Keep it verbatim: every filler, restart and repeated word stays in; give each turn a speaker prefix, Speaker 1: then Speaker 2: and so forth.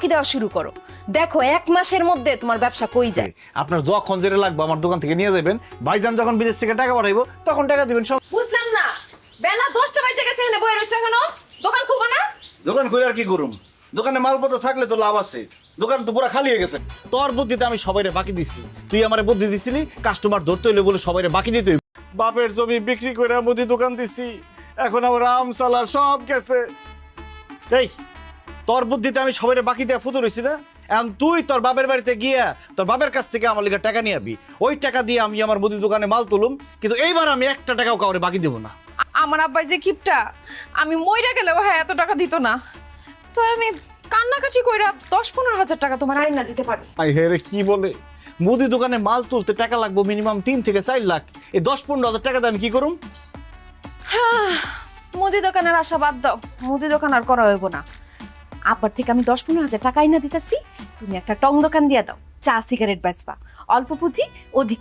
Speaker 1: বাকি দেওয়া শুরু করো। দেখো এক মাসের মধ্যে তোমার ব্যবসা কই যায়।
Speaker 2: আপনার যখন যেটা লাগবে আমার দোকান থেকে নিয়ে যাবেন। ভাইজান যখন বিদেশ থেকে টাকা পাঠাইবো তখন টাকা দিবেন সব।
Speaker 1: বুঝলাম না, বেলা দশটা বাজে গেছে, এখানে বয়ে রয়েছে এখনো, দোকান খুলবো না?
Speaker 2: দোকান খুলে আর কি করুম? দোকানে মালপত্র থাকলে তো লাভ আছে, দোকান তো পুরো খালি হয়ে গেছে। তোর বুদ্ধিতে আমি সবাইরে বাকি দিচ্ছি, তুই আমারে বুদ্ধি দিছিলি কাস্টমার ধরতে হইলে বলে সবাইরে বাকি দিতে হইব। বাপের জমি বিক্রি করে মুদি দোকান দিচ্ছি, এখন আমার আম সালা সব গেছে। এই তোর বুদ্ধিতে আমি সবাইরে বাকি দেওয়া ফুতুর হইছি না? এখন তুই তোর বাপের বাড়িতে গিয়া তোর বাপের কাছ থেকে আমার লিগে টাকা নিয়ে আবি, ওই টাকা দিয়ে আমি আমার মুদি দোকানে মাল তুলুম, কিন্তু এইবার আমি একটা টাকাও কাউরে বাকি দেবো না।
Speaker 1: আমার আব্বাই যে কিপটা, আমি মইরা গেলেও হ্যাঁ এত টাকা দিত না। তো আমি কান্নাকাটি কইরা দশ পনেরো হাজার টাকা তোমার আইনা দিতে পারি।
Speaker 2: আই হে রে, কি বলে মুদি দোকানে মাল তুলতে টাকা লাগবে মিনিমাম তিন থেকে চার লাখ। এই দশ পনেরো হাজার টাকা দিয়ে আমি কি করুম?
Speaker 1: মুদি দোকানের আশা বাদ দাও, মুদি দোকান আর করা হইব না। আব্বার থেকে আমি দশ পনেরো হাজার টাকা আইনা দিতেছি, তুমি একটা টং দোকান দিয়া দাও, চা সিগারেট বেচবা, অল্প পুঁজি অধিক